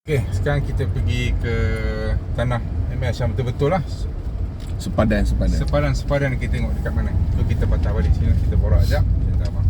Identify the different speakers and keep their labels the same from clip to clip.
Speaker 1: Okay, sekarang kita pergi ke tanah MS yang betul-betul lah.
Speaker 2: Sepadan.
Speaker 1: Sepadan kita tengok dekat mana. So kita patah balik sini, kita borak sekejap. Kita abang.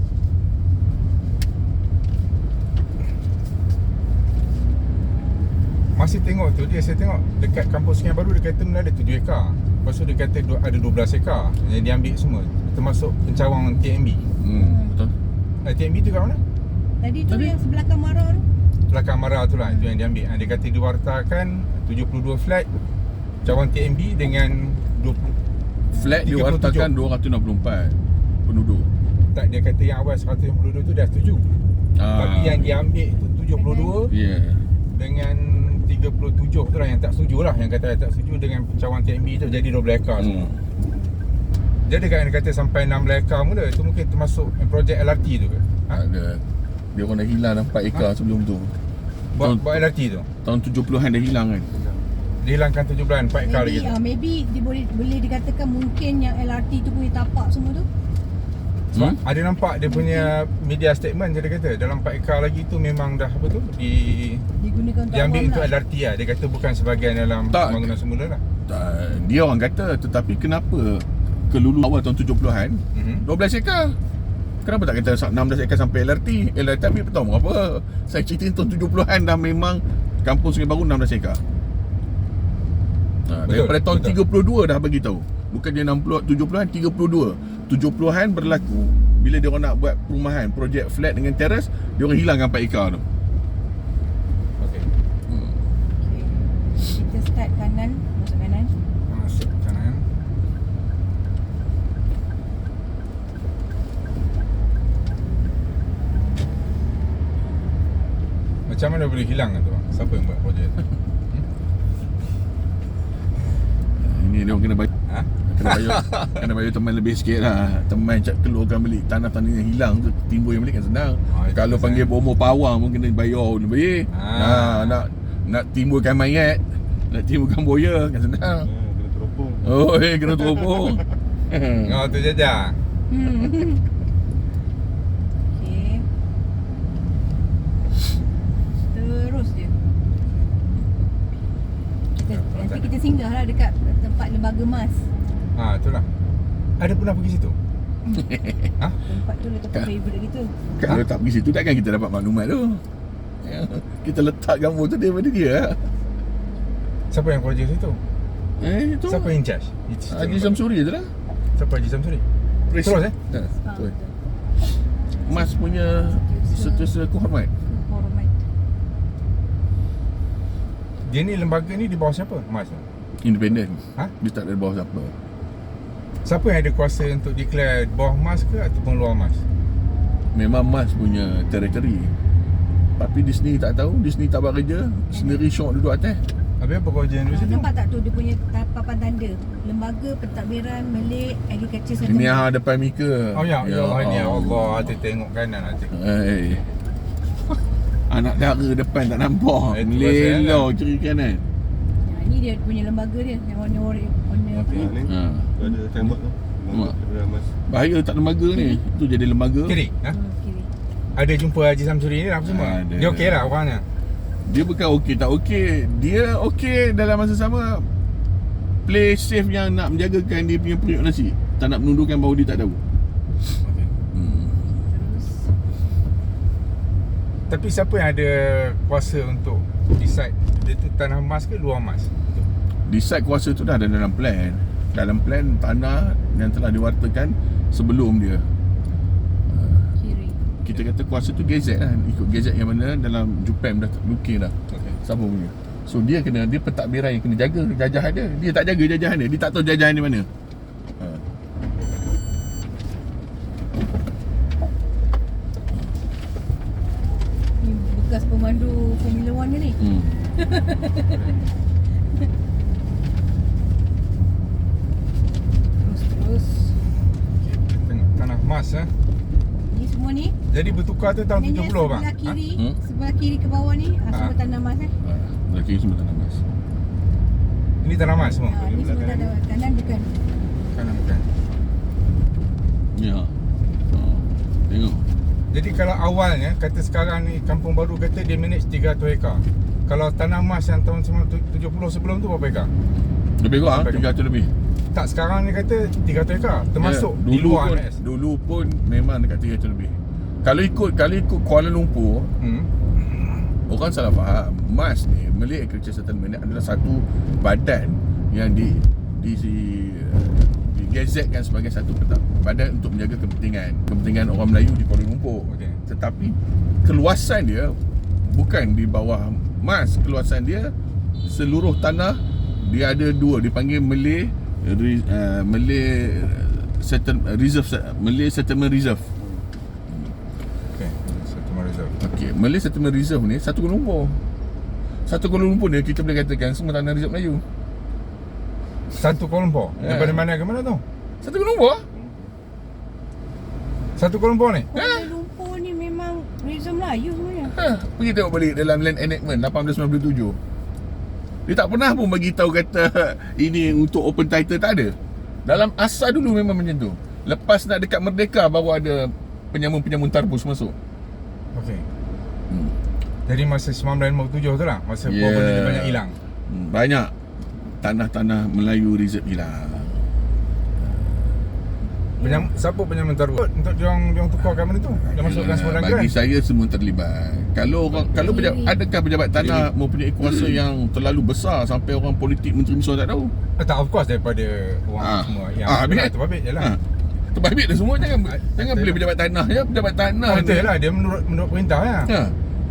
Speaker 1: Masih tengok tu, saya tengok dekat kampung Sungai Baru dia kata benda ada 7 ekar. Lepas tu dia kata ada 12 ekar yang dia ambil semua, termasuk pencawang TMB.
Speaker 2: Betul.
Speaker 1: TMB tu kat mana?
Speaker 3: Tadi tu yang sebelah kamera tu.
Speaker 1: Belakang Mara tu lah, itu yang dia ambil. Dia kata diwartakan 72 flat cawang TMB dengan 20
Speaker 2: Flat
Speaker 1: 37.
Speaker 2: diwartakan 264 penduduk.
Speaker 1: Tak, dia kata yang awal 152 tu dah setuju. Tapi yang dia ambil tu 72 dengan 37 tu lah yang tak setuju lah. Yang kata tak setuju dengan pencawang TMB tu, jadi 12 ekar semua. Jadi kan dia kata sampai 16 ekar mula. Itu mungkin termasuk projek LRT tu ke?
Speaker 2: Ada. Dia orang dah hilang 4 ekar sebelum tu.
Speaker 1: Buat LRT tu?
Speaker 2: Tahun 70-an dah hilang kan.
Speaker 1: Dia hilangkan 17 4 ekar lagi tu.
Speaker 3: Maybe dia boleh dikatakan mungkin yang LRT tu boleh tapak semua tu.
Speaker 1: Sebab ada nampak dia punya media statement, dia kata dalam 4 ekar lagi tu memang dah apa tu
Speaker 3: Digunakan untuk
Speaker 1: diambil
Speaker 3: awam
Speaker 1: untuk
Speaker 3: lah.
Speaker 1: LRT lah. Dia kata bukan sebahagian dalam
Speaker 2: Tak.
Speaker 1: pembangunan semula lah.
Speaker 2: Dia orang kata, tetapi kenapa kelulu awal tahun 70-an 12 ekar? Kenapa tak kata 16 ekar sampai LRT? LRT ambil tahu berapa? Saya cerita tahun 70-an dah memang kampung Sungai Baru 16 ekar. Daripada tahun 32 dah bagi tahu. Bukan dia 60 70-an, 32. 70-an berlaku bila dia orang nak buat perumahan, projek flat dengan teras, dia orang hilangkan 4 ekar tu.
Speaker 1: Okey.
Speaker 3: Okay. Kita start kanan, masuk kanan.
Speaker 1: Masuk kanan. Macam mana boleh hilang tu bang? Siapa yang buat projek tu?
Speaker 2: Ini dia orang kena bayar.
Speaker 1: Ha?
Speaker 2: Kena bayar teman lebih sikit lah. Teman cak keluarkan beli tanah-tanah yang hilang tu, timbul yang beli kan senang.
Speaker 1: Itu
Speaker 2: Kalau
Speaker 1: pasal.
Speaker 2: panggil bomoh pawang pun kena bayar lebih. Nak timbulkan mayat, nak timbulkan boya kan senang.
Speaker 4: Kena teropong.
Speaker 2: Oh, kena teropong.
Speaker 1: Oh tu Jaja.
Speaker 3: Okay. Terus je. Nanti kita singgah lah dekat tempat lembaga emas.
Speaker 1: Itulah. Ada pernah pergi situ? Ha?
Speaker 3: Tempat tu tempat favourite gitu.
Speaker 2: Kalau tak pergi situ takkan kita dapat maklumat tu. Kita letak gambar tu daripada dia.
Speaker 1: Siapa yang projek situ?
Speaker 2: Itu
Speaker 1: Siapa yang in charge?
Speaker 2: Haji Samsuri tu lah.
Speaker 1: Siapa Haji Samsuri? Terus
Speaker 2: Betul. Mas punya setiausaha kehormat.
Speaker 3: Hormat.
Speaker 1: Dia ni lembaga ni di bawah siapa? Mas tu?
Speaker 2: Independen.
Speaker 1: Ha?
Speaker 2: Dia tak ada bawah siapa.
Speaker 1: Siapa yang ada kuasa untuk declare bawah Mas ke ataupun luar Mas?
Speaker 2: Memang Mas punya teritori. Tapi di sini tak tahu, di sini tak buat kerja, sendiri syok duduk atas.
Speaker 1: Habis apa kau jalan dulu situ?
Speaker 3: Nampak tak tu dia punya papan tanda Lembaga Pentadbiran Malay Agriculture Center.
Speaker 2: Ini depan Mika.
Speaker 1: Oh ya Allah ni ya Allah. Hati tengok kanan hati.
Speaker 2: Anak dara depan tak nampak.
Speaker 1: Itu
Speaker 2: Lelau kiri kanan.
Speaker 3: Ini dia punya lembaga dia yang warna apa
Speaker 1: Okey.
Speaker 3: ni?
Speaker 4: Ni tu ada tembak tu.
Speaker 2: Mak.
Speaker 4: Mas.
Speaker 2: Bahaya tak lembaga ni. Tu jadi lembaga.
Speaker 1: Kiri? Ha?
Speaker 3: Kiri.
Speaker 1: Ada jumpa Haji Samsuri ni apa semua?
Speaker 2: Ada.
Speaker 1: Dia okey lah orangnya.
Speaker 2: Dia bukan okey tak okey. Dia okey dalam masa sama play safe yang nak menjagakan dia punya periuk nasi. Tak nak menundukkan bahawa dia tak tahu.
Speaker 1: Okey.
Speaker 3: Terus
Speaker 1: Tapi siapa yang ada kuasa untuk decide dia tu tanah emas ke luar emas?
Speaker 2: Decide kuasa tu dah ada dalam plan. Dalam plan tanah yang telah diwartakan sebelum dia.
Speaker 3: kiri.
Speaker 2: Kita kata kuasa tu gazet lah. Ikut gazet yang mana dalam Jupem dah looking dah.
Speaker 1: Okey.
Speaker 2: Siapa punya. So dia pentadbiran yang kena jaga jajahan dia. Dia tak jaga jajahan dia. Dia tak tahu jajahan dia mana.
Speaker 3: Ni bekas pemandu Formula 1 dia ni. Terus.
Speaker 1: Okey, kita tengok tanah emas
Speaker 3: Ni semua ni.
Speaker 1: Jadi bertukar tu tahun
Speaker 3: Maknanya
Speaker 1: 70 bang.
Speaker 3: sebelah kiri,
Speaker 2: Ha?
Speaker 3: sebelah kiri ke bawah ni semua tanah emas
Speaker 2: Lelaki semua tanah emas.
Speaker 1: Ini tanah emas semua.
Speaker 3: Ni semua tanah kanan bukan.
Speaker 1: Kanan bukan.
Speaker 2: Ya. Tengok.
Speaker 1: Jadi kalau awalnya kata sekarang ni Kampung Baru kata dia manage 300 ekar. Kalau tanah emas yang tahun 70 sebelum tu berapa ekar?
Speaker 2: Lebih kurang
Speaker 1: Sampai
Speaker 2: 300 lebih.
Speaker 1: Tak, sekarang ni kata 300 ekar termasuk
Speaker 2: Ya,
Speaker 1: di luar
Speaker 2: pun,
Speaker 1: MAS.
Speaker 2: dulu pun memang dekat 300 lebih. Kalau ikut Kuala Lumpur, orang salah faham. MAS ni, Malay Agriculture Settlement ni adalah satu badan yang digazetkan sebagai satu badan untuk menjaga kepentingan orang Melayu di Kuala Lumpur.
Speaker 1: Okey.
Speaker 2: Tetapi keluasan dia bukan di bawah MAS. Keluasan dia seluruh tanah dia ada dua, dipanggil Malay Settlement Reserve, Malay Settlement Reserve.
Speaker 1: Okey, Settlement Reserve.
Speaker 2: Okey, Malay Settlement Reserve ni satu Kuala Lumpur. Satu Kuala Lumpur ni kita boleh katakan semua tanah reserve Melayu.
Speaker 1: Satu Kuala Lumpur.
Speaker 2: Ya.
Speaker 1: Daripada mana ke mana tu?
Speaker 2: Satu Kuala Lumpur.
Speaker 1: Satu Kuala Lumpur ni.
Speaker 3: Kuala Lumpur ni memang reserve Melayu sebenarnya.
Speaker 2: Pergi tengok balik dalam Land Enactment 1897. Dia tak pernah pun bagi tahu kata ini untuk open title, tak ada. Dalam asal dulu memang macam tu. Lepas nak dekat merdeka baru ada penyamun-penyamun tarbus masuk.
Speaker 1: Okey. Jadi masa 1957 tu lah, masa benda dia banyak hilang.
Speaker 2: Banyak tanah-tanah Melayu reserve hilang.
Speaker 1: Siapa penyamun tarbus? Untuk diorang tukarkan benda tu. Dia masukkan semua dalam
Speaker 2: Bagi
Speaker 1: geran.
Speaker 2: saya semua terlibat. Kalau adakah pejabat tanah mempunyai kuasa yang terlalu besar sampai orang politik, menteri besar tak tahu?
Speaker 1: Tak, of course daripada orang semua yang
Speaker 2: habis.
Speaker 1: terbabit je lah.
Speaker 2: Terbabit dah semua. Jangan beli pejabat tanah je. Pejabat tanah
Speaker 1: Betul lah, dia menurut perintah lah.
Speaker 2: Ha.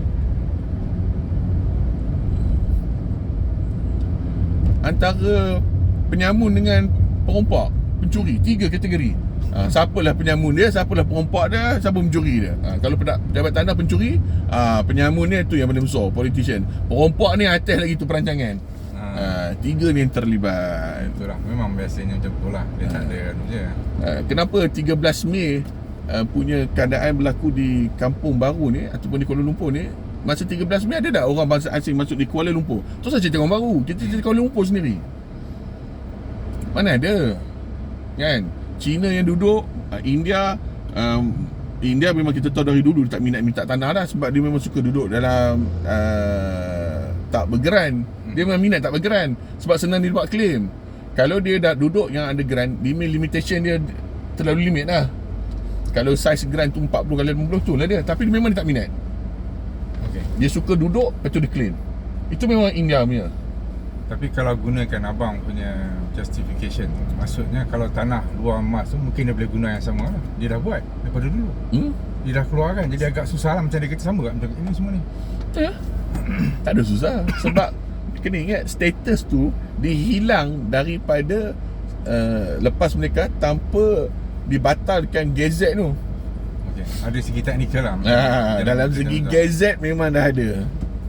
Speaker 2: Antara penyamun dengan perompak, pencuri, 3 kategori. Siapalah penyamun dia, siapalah perompak dia, siapa pencuri dia. Kalau pejabat tanah pencuri, penyamun dia tu yang paling besar, politician. Perompak ni atas lagi tu perancangan. 3 ni yang terlibat.
Speaker 1: Betul lah, memang biasanya macam tu lah. Dia tak ada anu je.
Speaker 2: Kenapa 13 Mei punya keadaan berlaku di Kampung Baru ni ataupun di Kuala Lumpur ni? Masa 13 Mei ada tak orang bangsa asing masuk di Kuala Lumpur? Tu saja cerita orang baru. Kita cerita Kuala Lumpur sendiri. Mana ada? Kan? China yang duduk, India memang kita tahu dari dulu dia tak minta tanah dah, sebab dia memang suka duduk dalam tak bergeran. Dia memang minat tak bergeran sebab senang dia buat claim. Kalau dia dah duduk yang ada geran, limitation dia terlalu limit lah. Kalau saiz geran tu 40x80 tu lah dia. Tapi dia memang dia tak minat.
Speaker 1: Okay.
Speaker 2: Dia suka duduk, lepas tu dia claim. Itu memang India punya.
Speaker 1: Tapi kalau gunakan abang punya justification, maksudnya kalau tanah luar emas tu mungkin dia boleh guna yang sama lah. Dia dah buat daripada dulu. Dia dah keluarkan. Jadi agak susah lah macam dia kata sama kat macam ini semua ni.
Speaker 2: Ya. Tak ada susah. Sebab kena ingat status tu dihilang daripada lepas mereka tanpa dibatalkan gazette tu.
Speaker 1: Okay. Ada segi teknikal lah.
Speaker 2: Dalam segi gazette memang dah ada.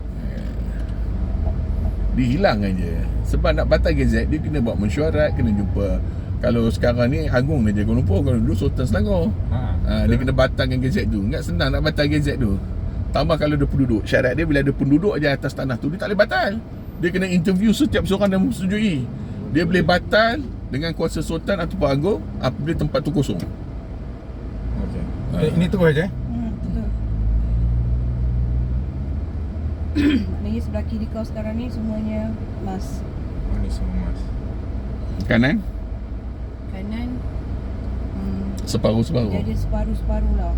Speaker 2: Dihilang aja. Sebab nak batal gazette dia kena buat mesyuarat, kena jumpa. Kalau sekarang ni Agung Raja Kuala Lumpur, kalau dulu Sultan Selangor. Dia kena batalkan gazette tu. Ingat senang nak batal gazette tu. Tambah kalau ada penduduk. Syarat dia bila ada penduduk aja atas tanah tu, dia tak boleh batal. Dia kena interview setiap seorang dan menyetujui. Dia boleh batal dengan kuasa Sultan ataupun Agung apabila tempat tu kosong.
Speaker 1: Okay. Ini terus aja.
Speaker 3: Betul. Maknanya sebelah kiri kau sekarang ni semuanya emas.
Speaker 1: Oh, ni semua emas.
Speaker 2: Kanan
Speaker 3: Kanan
Speaker 2: separuh-separuh.
Speaker 3: dia ada separuh-separuh lah.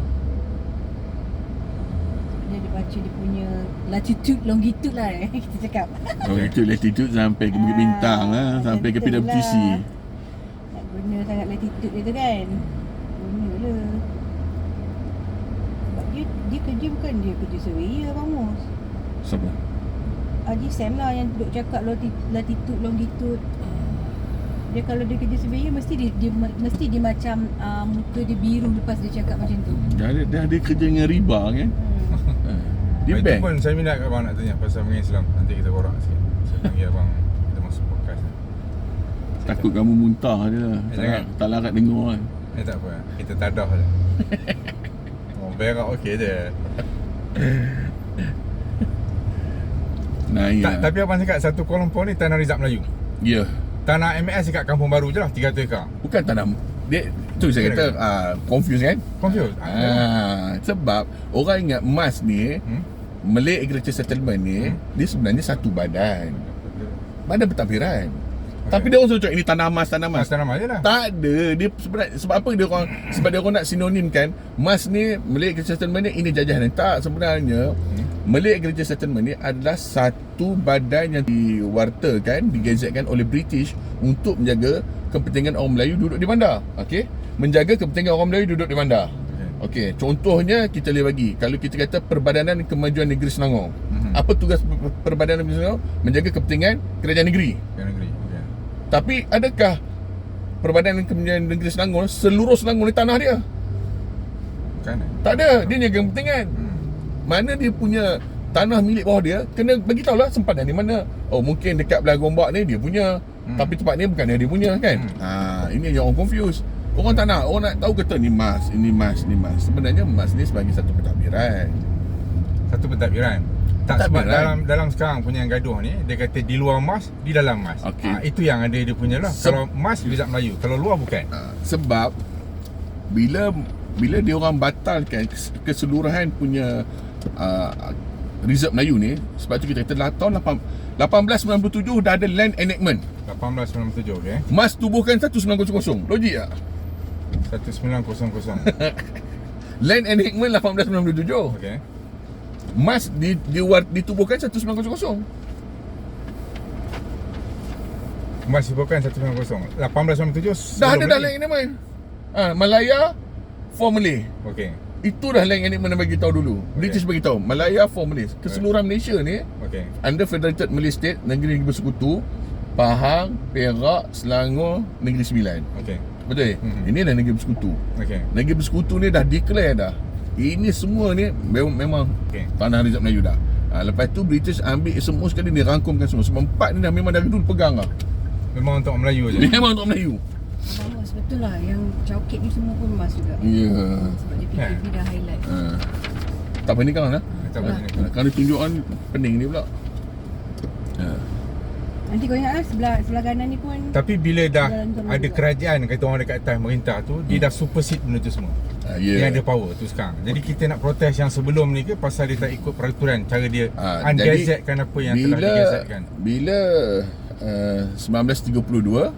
Speaker 3: Dia baca dia punya latitude, longitude lah kita cakap.
Speaker 2: Itu latitude sampai ke Bukit Bintang lah, sampai ke
Speaker 3: betul
Speaker 2: PWTC.
Speaker 3: lah. Nak guna sangat latitude dia tu kan. Gunalah. Sebab dia kerja bukan dia kerja surveyor Abang Mus.
Speaker 2: Siapa?
Speaker 3: Haji Sam lah yang duduk cakap latitude, longitude. Dia kalau dia kerja surveyor mesti dia macam muka dia biru lepas dia cakap macam tu.
Speaker 2: Dah ada kerja dengan riba kan? Dia
Speaker 1: Itu
Speaker 2: bank.
Speaker 1: pun saya minat abang nak tanya pasal mengenai Islam. Nanti kita borak sikit. Saya panggil abang, kita masuk podcast.
Speaker 2: Takut kamu muntah je lah.
Speaker 1: Jangan.
Speaker 2: Tak larat dengar kan.
Speaker 1: Tak apa, kita tadah je. Oh, berak okey je.
Speaker 2: Naik
Speaker 1: Tapi abang cakap satu Kuala Lumpur ni tanah rizab Melayu.
Speaker 2: Ya.
Speaker 1: Tanah MAS dekat Kampung Baru je lah, 300 ekar.
Speaker 2: Bukan tanam. Dia tu saya kata confuse kan?
Speaker 1: Confused?
Speaker 2: Sebab orang ingat emas ni Malay Agriculture Settlement ni dia sebenarnya satu badan pentadbiran. Tapi dia orang selalu cakap ini tanah emas.
Speaker 1: Tanah je lah.
Speaker 2: Tak ada. Dia sebenarnya sebab apa dia orang sebab dia orang nak sinonimkan mas ni Malay Agriculture Settlement ni ini jajahan. Tak, sebenarnya Malay Agriculture Settlement ni adalah satu badan yang diwartakan, digazetkan oleh British untuk menjaga kepentingan orang Melayu duduk di bandar. Okey, menjaga kepentingan orang Melayu duduk di bandar. Okey, contohnya kita boleh bagi, kalau kita kata Perbadanan Kemajuan Negeri Selangor. Apa tugas Perbadanan Negeri Selangor? Menjaga kepentingan kerajaan negeri. Tapi adakah Perbadanan Kemajuan Negeri Selangor seluruh Selangor ni tanah dia?
Speaker 1: Bukan.
Speaker 2: Tak ada. Dia jaga kepentingan. Mana dia punya tanah milik bawah dia, kena bagi tahulah sempadan di mana. Oh, mungkin dekat belah Gombak ni dia punya, tapi tempat ni bukan dia punya kan. Ini yang orang confuse. Orang tak nak, orang nak tahu kata ni mas, ini mas, ni mas. Sebenarnya mas ni sebagai satu pentadbiran.
Speaker 1: Satu pentadbiran. Tak, sebab dalam sekarang punya yang gaduh ni, dia kata di luar mas, di dalam mas. Itu yang ada dia punya lah. Kalau mas Wizard Melayu, kalau luar bukan.
Speaker 2: Sebab bila dia orang batalkan keseluruhan punya Reserve Melayu ni, sebab tu kita kata tahun 1897 dah ada Land Enactment.
Speaker 1: 1897, okey.
Speaker 2: Mas tubuhkan 1900. Logik tak?
Speaker 1: 1900.
Speaker 2: Land Enactment 1897.
Speaker 1: Okey.
Speaker 2: Mas ditubuhkan 1900.
Speaker 1: Mas bukan 1900. 1897
Speaker 2: Dah ada dah Land Enactment. Malaya for Malay.
Speaker 1: Okey.
Speaker 2: Itu dah Land Enactment bagi tahu dulu. British bagi tahu Malaya for Malay. Keseluruhan Malaysia ni under Federated Malay State, negeri-negeri bersekutu, Pahang, Perak, Selangor, Negeri Sembilan.
Speaker 1: Okey.
Speaker 2: Betul? Ini dah negeri bersekutu.
Speaker 1: Okey.
Speaker 2: Negeri bersekutu ni dah declare dah. Ini semua ni memang tanah Reserve Melayu dah. Lepas tu British ambil semua sekali, dia rangkumkan semua. Sebab empat ni dah memang dari dulu pegang lah.
Speaker 1: Memang untuk Melayu je.
Speaker 2: Memang untuk Melayu.
Speaker 3: Abang Mas, betul lah yang cauket ni semua pun emas juga.
Speaker 2: Ya.
Speaker 3: Sebab dia PKP dah highlight.
Speaker 2: Tak pening kan lah.
Speaker 1: Tak apa.
Speaker 2: Kalau tunjukkan pening ni pula.
Speaker 3: Nanti kau ingat lah sebelah kanan ni pun.
Speaker 1: Tapi bila dah
Speaker 3: Jalan
Speaker 1: ada
Speaker 3: juga.
Speaker 1: kerajaan, kata orang dekat atas pemerintah tu, dia dah supersede benda tu semua. Dia ada power tu sekarang. Jadi kita nak protes yang sebelum ni ke pasal dia tak ikut peraturan, cara dia ungazetkan apa yang telah digazetkan.
Speaker 2: Bila 1932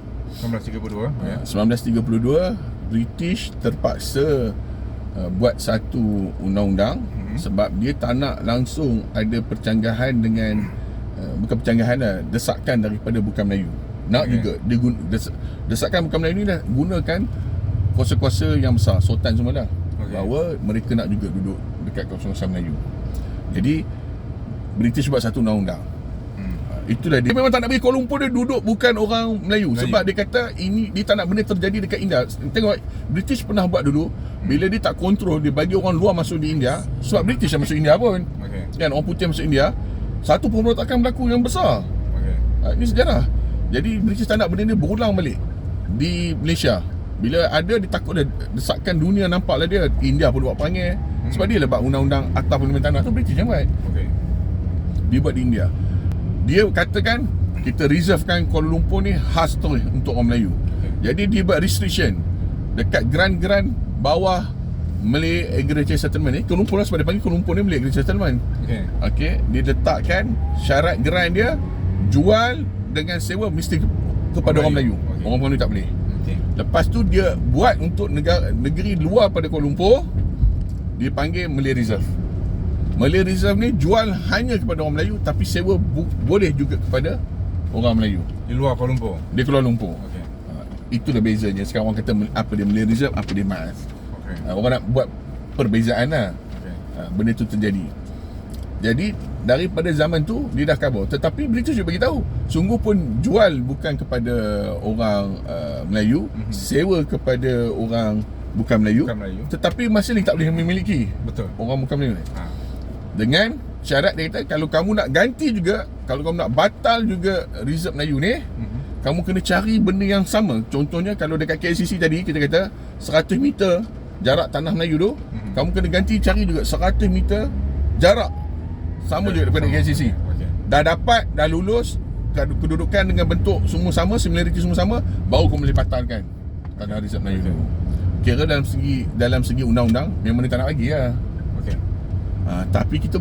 Speaker 2: British terpaksa buat satu undang-undang sebab dia tak nak langsung ada percanggahan dengan bukan percanggahan lah, desakan daripada bukan Melayu. Nak juga dia desakan bukan Melayu ni dah gunakan kuasa-kuasa yang besar, sultan semua dah, bahawa mereka nak juga duduk dekat kawasan Melayu. Jadi British buat satu undang-undang. Itulah dia memang tak nak bagi Kuala Lumpur dia duduk bukan orang Melayu. Sebab dia kata dia tak nak benda terjadi dekat India. Tengok, British pernah buat dulu. Bila dia tak kontrol, dia bagi orang luar masuk di India. Sebab British yang masuk India pun kan, orang putih masuk India, satu pemberontakan berlaku yang besar. Ini sejarah. Jadi British tak nak benda ni berulang balik di Malaysia. Bila ada, dia takut dia desakkan dunia nampaklah dia India pun buat panggil. Sebab dia lebat undang-undang Akta Parlimen Tanah tu British yang buat. Dia buat di India. Dia katakan kita reservekan Kuala Lumpur ni khas tu untuk orang Melayu. Jadi dia buat restriction dekat grant-grant bawah Malay Agriculture Settlement ni. Kuala Lumpur lah, sebab dia panggil Kuala Lumpur ni Malay Agriculture Settlement. Okey, dia letakkan syarat grant dia jual dengan sewa mesti kepada orang Melayu. Orang Melayu tak boleh. Lepas tu dia buat untuk negeri luar pada Kuala Lumpur, dia panggil Malay Reserve. Malay Reserve ni jual hanya kepada orang Melayu, tapi sewa boleh juga kepada orang Melayu
Speaker 1: di luar Kuala Lumpur.
Speaker 2: Di Kuala Lumpur. Itulah bezanya. Sekarang orang kata apa dia Malay Reserve, apa dia MAS. Orang nak buat perbezaan lah. Benda tu terjadi. Jadi daripada zaman tu dia dah cover. Tetapi British juga bagi tahu, sungguh pun jual bukan kepada orang Melayu, sewa kepada orang bukan Melayu, tetapi masih lagi tak boleh memiliki.
Speaker 1: Betul.
Speaker 2: Orang bukan Melayu ni. Dengan syarat dia kata, kalau kamu nak ganti juga, kalau kamu nak batal juga Reserve Melayu ni, kamu kena cari benda yang sama. Contohnya kalau dekat KLCC tadi kita kata 100 meter jarak tanah Melayu tu, kamu kena ganti cari juga 100 meter jarak sama juga daripada KLCC. Dah dapat, dah lulus, kedudukan dengan bentuk semua sama, similarity semua sama, baru kamu boleh batalkan tanah Reserve Melayu tu. Kira dalam segi undang-undang memang dia tak nak bagi lah. Tapi kita buat.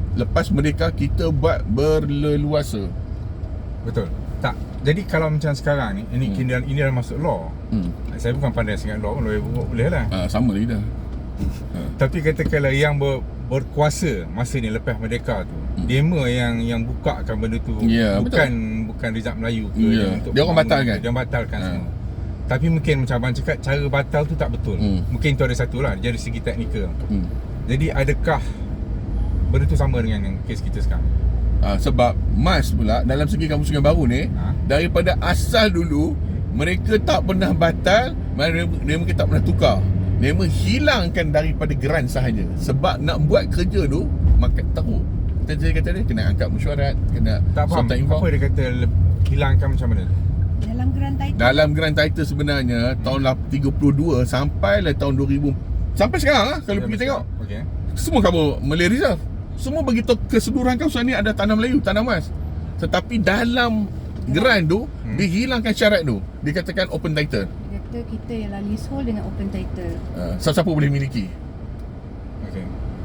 Speaker 2: lepas merdeka kita buat berleluasa.
Speaker 1: Betul. Tak. Jadi kalau macam sekarang ni, ini dah masuk law. Saya bukan pandai sangat law, lawyer boleh lah.
Speaker 2: Sama lagi dah.
Speaker 1: Tapi katakanlah yang berkuasa masa ni lepas merdeka tu, demo yang bukakan benda tu,
Speaker 2: Ya,
Speaker 1: bukan Rizal Melayu ke,
Speaker 2: Ya.
Speaker 1: untuk
Speaker 2: Dia orang
Speaker 1: bangun
Speaker 2: batalkan.
Speaker 1: ke, dia orang batalkan semua. Tapi mungkin macam abang cakap, cara batal tu tak betul. Mungkin tu ada satu lah dari segi teknikal. Jadi adakah benda tu sama dengan yang kes kita sekarang?
Speaker 2: Sebab MAS pula dalam segi Kampung Sungai Baru ni, daripada asal dulu mereka tak pernah batal, mereka tak pernah tukar. Mereka hilangkan daripada geran sahaja. Sebab nak buat kerja tu maka teruk. Dia kata dia kena angkat mesyuarat, kena
Speaker 1: Tak faham
Speaker 2: sortan info.
Speaker 1: apa dia kata hilangkan macam mana tu?
Speaker 3: Dalam geran title.
Speaker 2: Dalam geran title sebenarnya tahun 32 sampai lah tahun 2000 sampai sekarang lah kalau pergi tengok.
Speaker 1: Okey.
Speaker 2: Semua cover Malay Reserve. Semua beritahu keseluruhan kawasan ni ada tanah Melayu, tanah emas. Tetapi dalam geran tu dihilangkan syarat tu. Dikatakan open title.
Speaker 3: Dia kata kita ialah leasehold dengan open title.
Speaker 2: Siapa boleh miliki.
Speaker 1: Okey.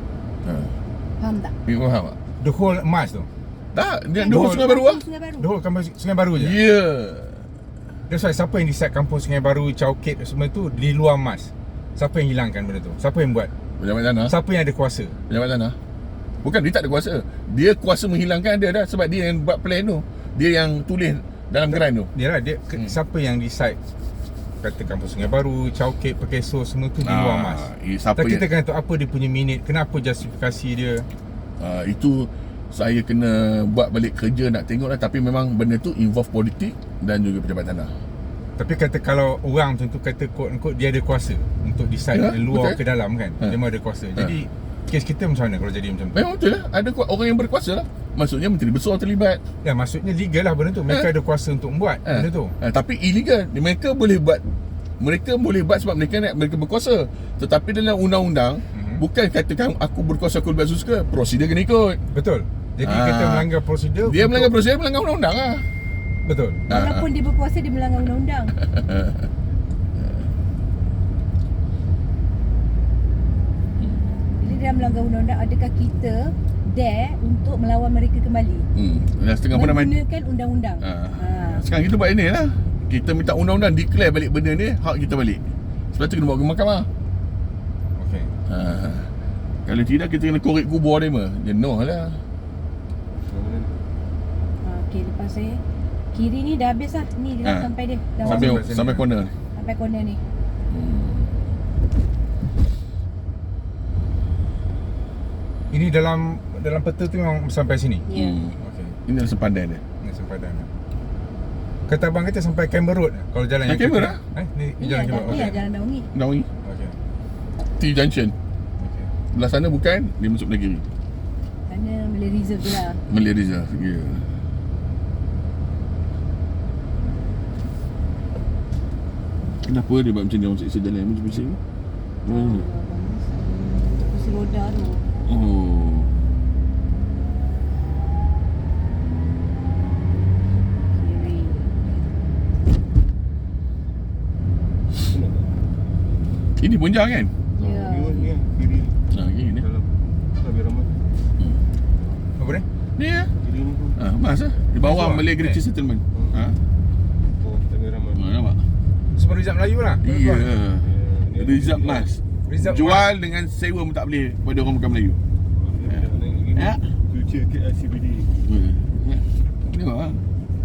Speaker 3: Faham tak?
Speaker 2: You faham tak?
Speaker 1: The whole emas tu.
Speaker 2: Tak, dia
Speaker 1: The
Speaker 2: dua
Speaker 1: whole-
Speaker 2: Sungai Baru lah.
Speaker 3: Sungai Baru.
Speaker 1: The whole kampung Sungai Baru je.
Speaker 2: Ya.
Speaker 1: That's why siapa yang decide kampung Sungai Baru, Chowkit semua tu di luar emas? Siapa yang hilangkan benda tu? Siapa yang buat?
Speaker 2: Pejabat tanah.
Speaker 1: Siapa yang ada kuasa?
Speaker 2: Pejabat tanah. Bukan, dia tak ada kuasa. Dia kuasa menghilangkan dia dah. Sebab dia yang buat plan tu. Dia yang tulis dalam geran tu.
Speaker 1: Dia lah, siapa yang decide kata kampung Sungai Baru, Chowkit, Pekeso semua tu di luar emas?
Speaker 2: Siapa
Speaker 1: Tak, kita
Speaker 2: yang,
Speaker 1: kena tahu apa dia punya minit, kenapa justifikasi dia.
Speaker 2: itu saya kena buat balik kerja nak tengok lah. Tapi memang benda tu involve politik dan juga pejabat tanah.
Speaker 1: Tapi kata kalau orang macam tu kata quote-unquote dia ada kuasa untuk decide
Speaker 2: Ya,
Speaker 1: luar
Speaker 2: betul.
Speaker 1: ke dalam kan. Dia memang ada kuasa. Jadi kes kita macam mana kalau jadi macam tu?
Speaker 2: Memang betul lah. Ada orang yang berkuasa lah. Maksudnya menteri besar terlibat.
Speaker 1: Ya, maksudnya legal lah benda tu. Mereka ada kuasa untuk membuat benda tu.
Speaker 2: Tapi illegal. Mereka boleh buat. Mereka boleh buat sebab mereka berkuasa. Tetapi dalam undang-undang bukan katakan aku berkuasa, aku buat suka. Prosedur kena ikut.
Speaker 1: Betul. Jadi kita melanggar prosedur.
Speaker 2: Dia melanggar prosedur, melanggar undang-undang lah.
Speaker 1: Betul.
Speaker 3: Walaupun dia berkuasa, dia melanggar undang-undang. Bila dia melanggar undang-undang, adakah kita dare untuk melawan mereka kembali?
Speaker 2: Dah setengah pun dah mati.
Speaker 3: Menggunakan undang-undang.
Speaker 2: Sekarang kita buat ini lah. Kita minta undang-undang declare balik benda ni, hak kita balik. Sebab tu kena bawa ke mahkamah.
Speaker 1: Okey.
Speaker 2: Kalau tidak kita kena korek kubur dia mah. Dia noh lah.
Speaker 3: Okey, lepas saya kiri ni dah habis lah. Ni dia dah sampai dia. Dah
Speaker 2: Sampai
Speaker 3: masuk.
Speaker 1: sini.
Speaker 2: sampai corner ni.
Speaker 3: Sampai corner ni.
Speaker 1: Ini dalam peta tu memang sampai sini.
Speaker 3: Ya.
Speaker 1: Okey.
Speaker 2: Ini adalah sempadan dia.
Speaker 1: Ini sempadan. Kata abang kata sampai Canberra Road kalau jalan yang
Speaker 2: Canberra?
Speaker 1: Ni
Speaker 3: Ni
Speaker 1: jalan
Speaker 3: lah,
Speaker 1: Canberra.
Speaker 3: ni lah jalan Daungi.
Speaker 2: Nawi
Speaker 1: Okey.
Speaker 2: T Junction.
Speaker 1: Okey.
Speaker 2: Belah sana bukan, dia masuk belah kiri.
Speaker 3: Sana Malay Reserve tu lah.
Speaker 2: Malay Reserve. Ya. Kenapa dia buat macam ni orang seksa jalan macam bising ni?
Speaker 3: Kursi roda tu.
Speaker 2: Oh.
Speaker 3: Kiri.
Speaker 2: Ini pun jalan kan?
Speaker 3: Ya.
Speaker 4: Ni kiri
Speaker 2: Kiri ni.
Speaker 4: dalam lebih ramai.
Speaker 1: Apa dia?
Speaker 2: Ni ya.
Speaker 4: Kiri ni pun.
Speaker 2: Mas lah. Di bawah
Speaker 1: Bawah.
Speaker 2: Malay Great Settlement.
Speaker 4: Oh, lebih ramai.
Speaker 2: Nampak?
Speaker 1: Semua Rizal Melayu lah.
Speaker 2: Iya.
Speaker 4: Ni
Speaker 2: Rizal Mas.
Speaker 1: Rizal
Speaker 2: Jual dengan sewa pun tak boleh pada orang bukan Melayu. Ya.
Speaker 4: Future KLCBD.
Speaker 2: Tengok lah.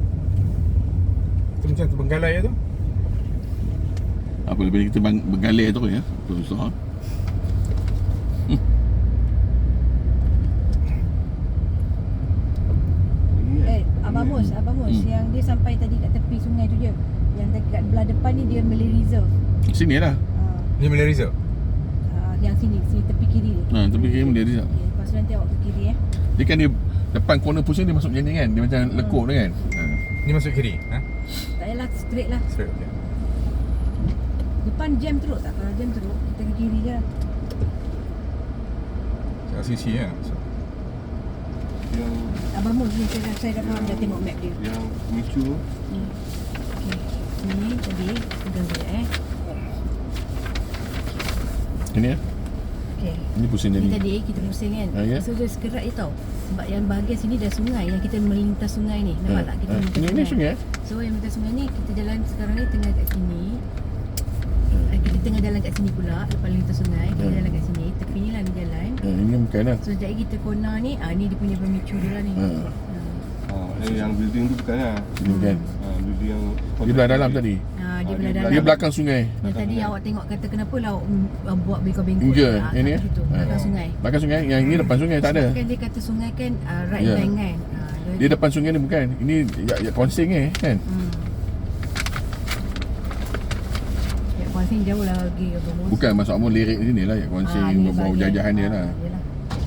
Speaker 1: Itu macam Terbenggalai tu.
Speaker 2: Apa lebih kita bergalai tu ya. Susah.
Speaker 3: Abang Mus, yang dia sampai tadi kat tepi sungai tu je. Yang dekat belah depan ni dia Malay Reserve.
Speaker 2: Sini lah.
Speaker 1: Ni Malay Reserve.
Speaker 3: Yang sini tepi kiri ni.
Speaker 2: Tepi kiri Malay Reserve.
Speaker 3: Okay, lepas tu nanti awak ke kiri
Speaker 2: Dia kan dia depan corner pusing dia masuk macam ni kan. Dia macam lekuk tu kan.
Speaker 1: Ni masuk kiri.
Speaker 3: Tak payahlah, straight lah.
Speaker 1: Straight. Okay.
Speaker 3: Depan jam teruk tak? Kalau jam teruk, kita ke kiri je lah.
Speaker 1: LCC lah.
Speaker 4: Yang
Speaker 3: Abang Mus ni saya dah faham, dah tengok map dia.
Speaker 4: yang Micu
Speaker 3: Okey. Ni tadi pegang sekejap
Speaker 2: Ini ya.
Speaker 3: Okay.
Speaker 2: Ini pusing
Speaker 3: Ni
Speaker 2: jadi.
Speaker 3: tadi kita pusing kan.
Speaker 2: Ah, ya?
Speaker 3: So dia sekerat je tau. Sebab yang bahagian sini dah sungai, yang kita melintas sungai ni. Nampak tak? Kita melintas
Speaker 2: Ini sungai.
Speaker 3: So yang melintas sungai ni kita jalan sekarang ni tengah kat sini. Kita tengah jalan kat sini pula. Lepas lintas sungai, kita jalan kat sini. Tepi ni lah ni jalan.
Speaker 2: Ini bukan lah.
Speaker 3: So sekejap lagi kita corner ni, ni dia punya pemicu dia lah ni.
Speaker 4: Yang building tu bukan lah.
Speaker 2: Ini bukan.
Speaker 4: Building yang
Speaker 2: Dia belah dalam tadi.
Speaker 3: Dia belah dalam.
Speaker 2: Dia belakang sungai.
Speaker 3: Yang tadi awak tengok kata kenapa lah awak buat bengkok-bengkok.
Speaker 2: Hingga ini
Speaker 3: belakang sungai.
Speaker 2: Belakang sungai. Yang ini depan sungai tak ada.
Speaker 3: Kan dia kata sungai kan right
Speaker 2: Ya.
Speaker 3: bank kan.
Speaker 2: Dia depan sungai ni bukan. Ini ya konsing kan.
Speaker 3: Ya konsing jauh lah lagi bos.
Speaker 2: Bukan maksud kamu lirik sini lah ya konsing berbau jajahan dia lah.
Speaker 3: Yalah.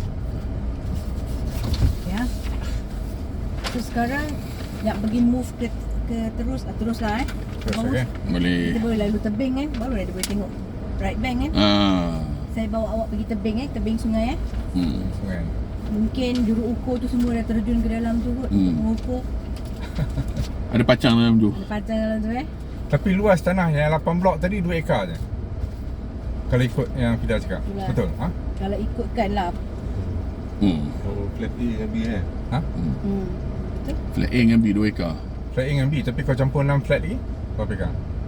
Speaker 3: Ya. So sekarang nak pergi move ke terus lah
Speaker 1: Terus,
Speaker 3: Bagus.
Speaker 1: okey.
Speaker 2: Boleh.
Speaker 3: Kita boleh lalu tebing kan. Baru dia boleh tengok right bank kan. Saya bawa awak pergi tebing tebing sungai
Speaker 1: Sungai.
Speaker 3: Mungkin juru ukur tu semua dah terjun ke dalam tu kot untuk mengukur.
Speaker 2: Ada pacang dalam tu.
Speaker 3: Ada pacang dalam tu
Speaker 1: Tapi luas tanah yang 8 blok tadi 2 ekar je. Kalau ikut yang Fida cakap.
Speaker 3: Itulah.
Speaker 1: Betul? Ha?
Speaker 3: Kalau ikutkan lah.
Speaker 4: flat A dengan B kan.
Speaker 1: Ha?
Speaker 3: Betul?
Speaker 2: Flat A dengan B 2 ekar.
Speaker 1: Flat A dengan B tapi kau campur 6 flat lagi berapa ekar?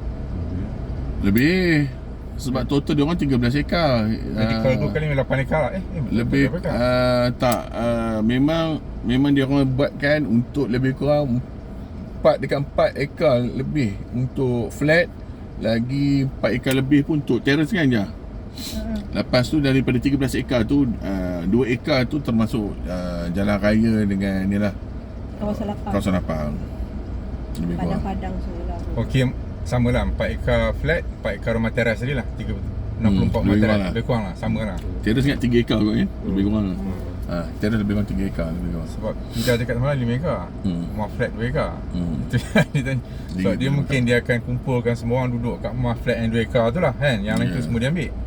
Speaker 2: Lebih. Sebab total dia orang 13 ekar.
Speaker 1: Jadi kalau 2 kali 8 ekar lah.
Speaker 2: Lebih
Speaker 1: berapa ekar?
Speaker 2: tak memang dia orang buatkan untuk lebih kurang 4 dekat 4 ekar lebih untuk flat, lagi 4 ekar lebih pun untuk terrace kan je. Lepas tu daripada 13 ekar tu 2 ekar tu termasuk jalan raya dengan ni lah
Speaker 3: Kawasan lapang.
Speaker 2: kawasan lapang. Lebih kurang.
Speaker 3: Padang-padang semua lah.
Speaker 1: Okey, sama lah 4 ekar flat, 4 ekar rumah teras tadi lah. 64 rumah
Speaker 2: lebih
Speaker 1: teras.
Speaker 2: kurang lah.
Speaker 1: Lebih kurang lah, sama lah.
Speaker 2: Terrace ingat 3 ekar kot kan. Lebih kurang. Terrace lebih kurang 3 ekar lebih kurang.
Speaker 1: Sebab Fida cakap semalam 5 ekar. Rumah flat 2 ekar. Itu yang dia tanya. Sebab dia mungkin dia akan kumpulkan semua orang duduk kat rumah flat yang 2 ekar tu lah kan. Yang lain tu semua dia ambil.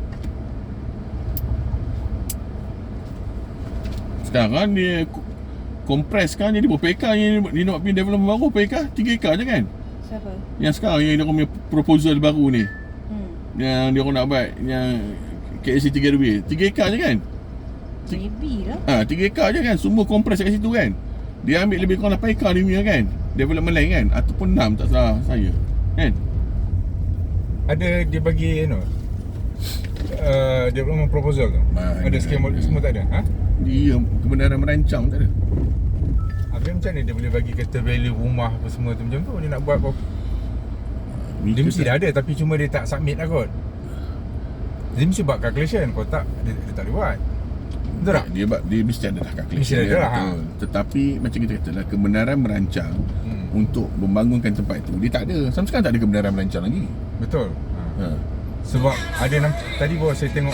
Speaker 2: Sekarang dia kompres kan jadi berapa ekar yang dia nak pergi development baru, berapa ekar? 3 ekar je kan.
Speaker 3: Siapa?
Speaker 2: Yang sekarang yang dia orang punya proposal baru ni, yang dia orang nak buat yang KLC 3RW 3 ekar je kan.
Speaker 3: Maybe lah.
Speaker 2: 3 ekar je kan, semua kompres kat situ kan. Dia ambil lebih kurang 8 ekar dia punya kan, development lain kan, ataupun 6 tak salah saya kan.
Speaker 1: Ada dia bagi development proposal tu. Ada skema semua tak ada. Ha?
Speaker 2: Dia kebenaran merancang tak ada.
Speaker 1: Habis macam mana dia boleh bagi kata value rumah apa semua tu macam tu? Dia nak buat apa? Dia mesti dah ada tapi cuma dia tak submit lah kot. Dia mesti buat calculation. Kalau tak, dia tak boleh buat. Betul tak?
Speaker 2: Dia mesti ada lah calculation.
Speaker 1: Mesti ada
Speaker 2: dia,
Speaker 1: lah,
Speaker 2: betul. Tetapi macam kita kata lah, kebenaran merancang untuk membangunkan tempat itu dia tak ada. Sampai sekarang tak ada kebenaran merancang lagi.
Speaker 1: Betul. Sebab ada tadi baru saya tengok.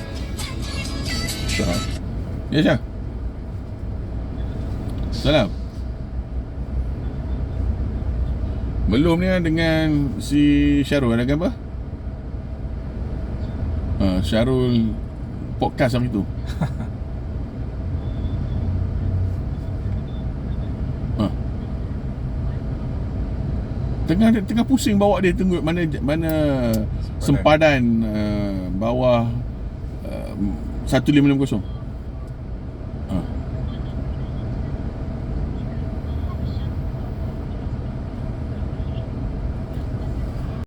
Speaker 2: Ya Syah. Salam. Belum ni dengan si Syarul ada apa? Syarul podcast hari tu. Tengah pusing bawa dia tunggu mana sempadan bawah 1560.